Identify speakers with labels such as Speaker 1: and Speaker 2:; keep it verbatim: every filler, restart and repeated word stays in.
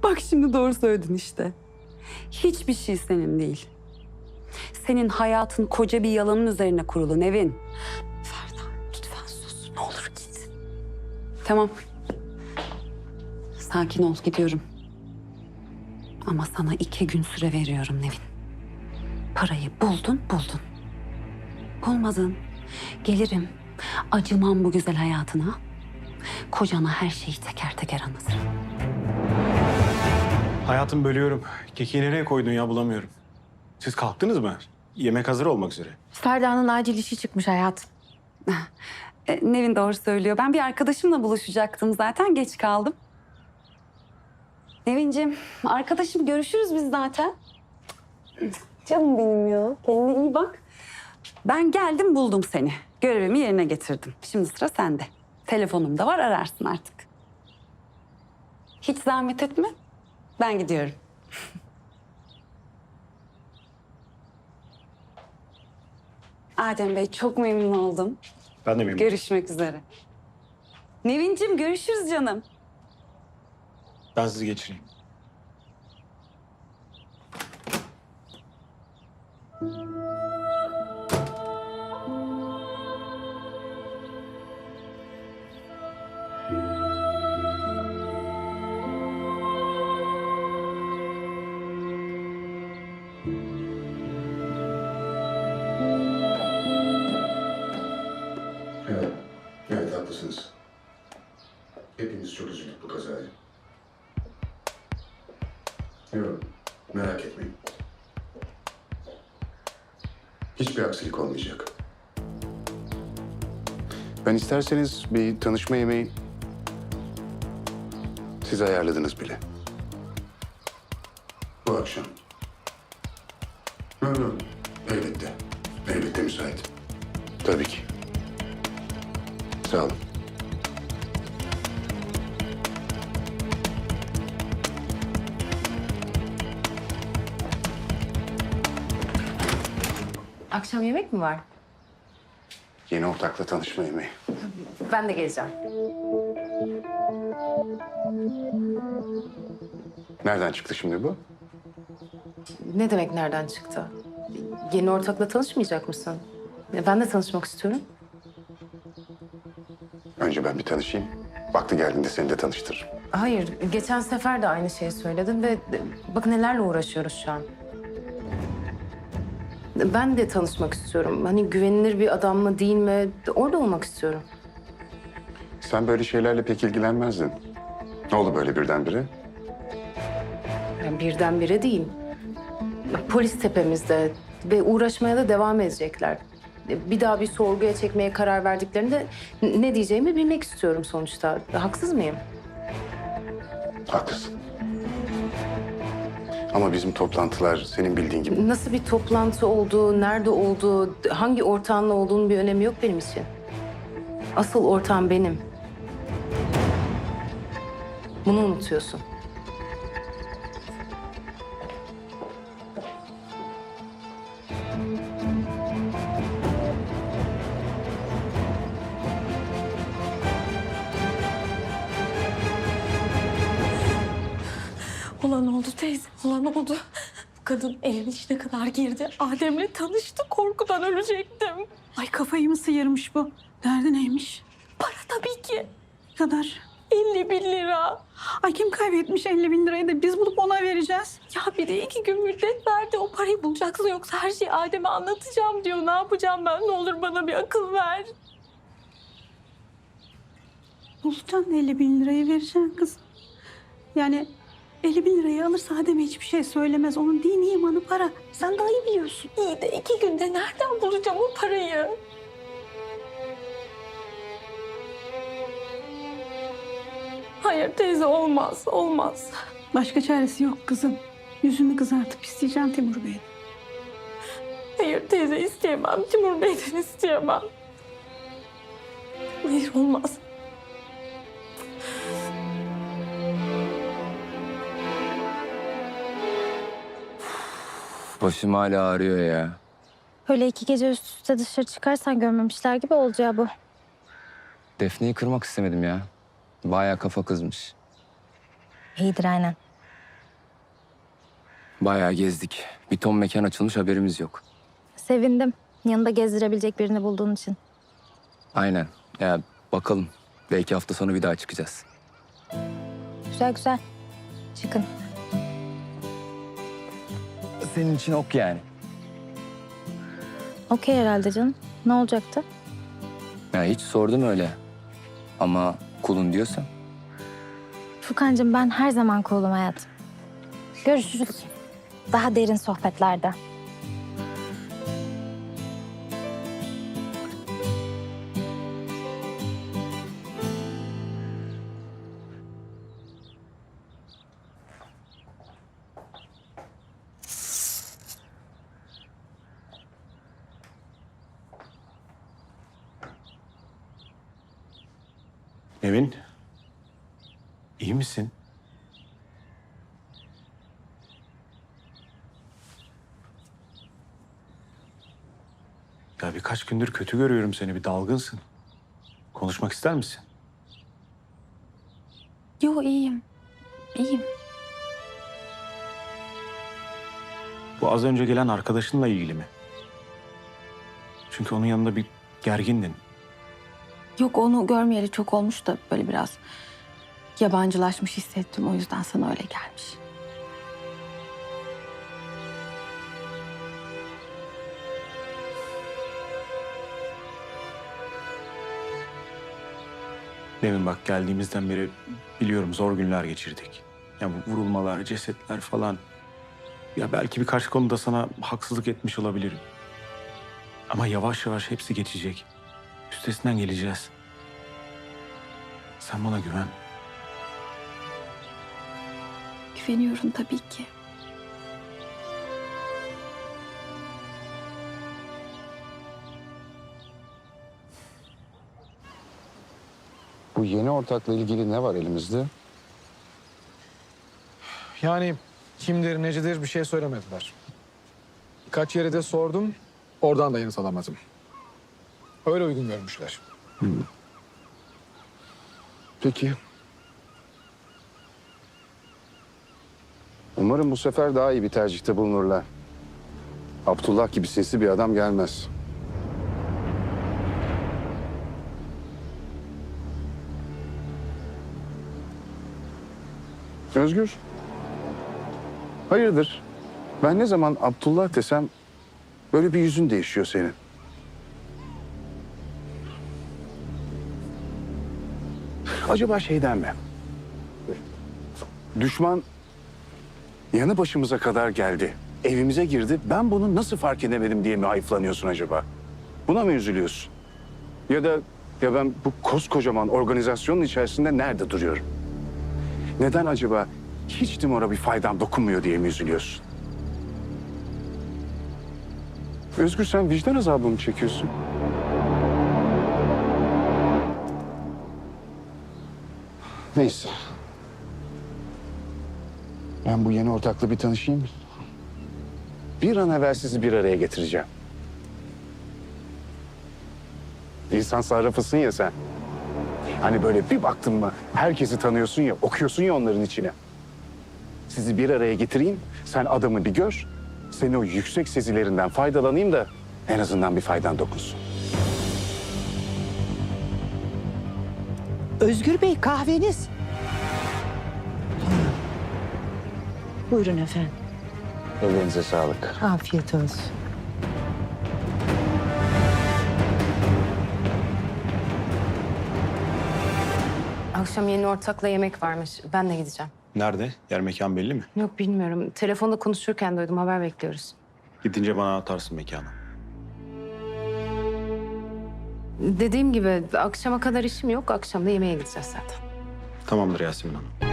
Speaker 1: Bak şimdi doğru söyledin işte. Hiçbir şey senin değil. Senin hayatın koca bir yalanın üzerine kurulu Nevin.
Speaker 2: Ferda lütfen sus. Ne olur git.
Speaker 1: Tamam. Sakin ol, gidiyorum. Ama sana iki gün süre veriyorum Nevin. Parayı buldun, buldun. Bulmadın. Gelirim. Acımam bu güzel hayatına. Kocana her şeyi teker teker anlatırım.
Speaker 3: Hayatım bölüyorum. Kekiği nereye koydun ya bulamıyorum. Siz kalktınız mı? Yemek hazır olmak üzere.
Speaker 2: Ferda'nın acil işi çıkmış hayatım.
Speaker 1: E, Nevin doğru söylüyor. Ben bir arkadaşımla buluşacaktım zaten. Geç kaldım. Nevinciğim, arkadaşım görüşürüz biz zaten. Canım benim ya. Kendine iyi bak. Ben geldim buldum seni. Görevimi yerine getirdim. Şimdi sıra sende. Telefonum da var, ararsın artık. Hiç zahmet etme. Ben gidiyorum. Adem Bey, çok memnun oldum.
Speaker 3: Ben de memnunum.
Speaker 1: Görüşmek üzere. Nevinciğim, görüşürüz canım.
Speaker 3: Ben sizi geçireyim.
Speaker 4: Evet, evet haklısınız. Hepimiz çok üzüldük bu kazaya. Yok, merak etmeyin. Hiçbir aksilik olmayacak. Ben isterseniz bir tanışma yemeği siz ayarladınız bile. Bu akşam. Yok yok, elbette. Elbette müsait. Tabii ki. Sağ olun.
Speaker 2: Akşam yemek mi var?
Speaker 4: Yeni ortakla tanışma yemeği.
Speaker 2: Ben de geleceğim.
Speaker 4: Nereden çıktı şimdi bu?
Speaker 2: Ne demek nereden çıktı? Yeni ortakla tanışmayacak mısın? Ben de tanışmak istiyorum.
Speaker 4: Önce ben bir tanışayım. Vakti geldiğinde seni de tanıştırırım.
Speaker 2: Hayır, geçen sefer de aynı şeyi söyledin ve bakın nelerle uğraşıyoruz şu an. Ben de tanışmak istiyorum. Hani güvenilir bir adam mı değil mi? Orada olmak istiyorum.
Speaker 4: Sen böyle şeylerle pek ilgilenmezdin. Ne oldu böyle birdenbire?
Speaker 2: Yani birdenbire değil. Polis tepemizde ve uğraşmaya da devam edecekler. Bir daha bir sorguya çekmeye karar verdiklerinde ne diyeceğimi bilmek istiyorum sonuçta. Haksız mıyım?
Speaker 4: Haklısın. Ama bizim toplantılar senin bildiğin gibi.
Speaker 2: Nasıl bir toplantı olduğu, nerede olduğu, hangi ortağınla olduğunun bir önemi yok benim için. Asıl ortağım benim. Bunu unutuyorsun.
Speaker 5: Olan oldu teyze, olan oldu. Bu kadın evin içine kadar girdi. Adem'le tanıştı, korkudan ölecektim.
Speaker 6: Ay kafayı mı sıyırmış bu? Derdi neymiş?
Speaker 5: Para tabii ki.
Speaker 6: Ne kadar?
Speaker 5: elli bin lira.
Speaker 6: Ay kim kaybetmiş elli bin lirayı da biz bulup ona vereceğiz.
Speaker 5: Ya bir de iki gün müddet verdi. O parayı bulacaksın yoksa her şeyi Adem'e anlatacağım diyor. Ne yapacağım ben? Ne olur bana bir akıl ver.
Speaker 6: Bulacaksın elli bin lirayı vereceksin kızım. Yani elli bin lirayı alırsa Adem'e hiçbir şey söylemez. Onun dini imanı para. Sen daha iyi biliyorsun.
Speaker 5: İyi de iki günde nereden bulacağım o parayı? Hayır teyze olmaz, olmaz.
Speaker 6: Başka çaresi yok kızım. Yüzünü kızartıp isteyeceksin Timur Bey'den.
Speaker 5: Hayır teyze isteyemem. Timur Bey'den isteyemem. Hayır olmaz.
Speaker 7: Başım hala ağrıyor ya.
Speaker 8: Öyle iki gece üst üste dışarı çıkarsan görmemişler gibi olacağı bu.
Speaker 7: Defne'yi kırmak istemedim ya. Bayağı kafa kızmış.
Speaker 8: İyidir aynen.
Speaker 7: Bayağı gezdik. Bir ton mekan açılmış, haberimiz yok.
Speaker 8: Sevindim. Yanında gezdirebilecek birini bulduğun için.
Speaker 7: Aynen. Ya bakalım. Belki hafta sonu bir daha çıkacağız.
Speaker 8: Güzel güzel. Çıkın.
Speaker 7: Senin için ok yani.
Speaker 8: Okey herhalde canım. Ne olacaktı?
Speaker 7: Ya hiç sordum öyle. Ama kulun diyorsan.
Speaker 8: Furkancığım ben her zaman cool'um hayatım. Görüşürüz. Daha derin sohbetlerde.
Speaker 3: Nevin. İyi misin? Ya birkaç gündür kötü görüyorum seni. Bir dalgınsın. Konuşmak ister misin?
Speaker 1: Yo iyiyim. İyiyim.
Speaker 3: Bu az önce gelen arkadaşınla ilgili mi? Çünkü onun yanında bir gergindin.
Speaker 1: Yok onu görmeyeli çok olmuş da böyle biraz yabancılaşmış hissettim. O yüzden sana öyle gelmiş.
Speaker 3: Nevin bak geldiğimizden beri biliyorum zor günler geçirdik. Ya bu vurulmalar, cesetler falan. Ya belki birkaç konuda sana haksızlık etmiş olabilirim. Ama yavaş yavaş hepsi geçecek. Üstesinden geleceğiz. Sen bana güven.
Speaker 1: Güveniyorum tabii ki.
Speaker 4: Bu yeni ortakla ilgili ne var elimizde?
Speaker 9: Yani kimdir, necidir bir şey söylemediler. Birkaç yere de sordum, oradan da yanıt alamadım. Öyle uygun görmüşler.
Speaker 4: Peki. Umarım bu sefer daha iyi bir tercihte bulunurlar. Abdullah gibi sinsi bir adam gelmez. Özgür. Hayırdır? Ben ne zaman Abdullah desem böyle bir yüzün değişiyor senin. Acaba şeyden mi? Düşman yanı başımıza kadar geldi. Evimize girdi. Ben bunu nasıl fark edemedim diye mi hayıflanıyorsun acaba? Buna mı üzülüyorsun? Ya da ya ben bu koskocaman organizasyonun içerisinde nerede duruyorum? Neden acaba hiç Timur'a bir faydam dokunmuyor diye mi üzülüyorsun? Özgür sen vicdan azabı mı çekiyorsun? Neyse. Ben bu yeni ortakla bir tanışayım. Bir an evvel sizi bir araya getireceğim. İnsan sarrafısın ya sen. Hani böyle bir baktın mı herkesi tanıyorsun ya, okuyorsun ya onların içine. Sizi bir araya getireyim, sen adamı bir gör. Senin o yüksek sezilerinden faydalanayım da en azından bir faydan dokunsun.
Speaker 10: Özgür Bey kahveniz. Buyurun efendim.
Speaker 4: Ellerinize sağlık.
Speaker 10: Afiyet olsun.
Speaker 2: Akşam yeni ortakla yemek varmış. Ben de gideceğim.
Speaker 3: Nerede? Yer mekan belli mi?
Speaker 2: Yok bilmiyorum. Telefonda konuşurken duydum. Haber bekliyoruz.
Speaker 3: Gidince bana atarsın mekanı.
Speaker 2: Dediğim gibi akşama kadar işim yok. Akşam da yemeğe gideceğiz zaten.
Speaker 3: Tamamdır Yasemin Hanım.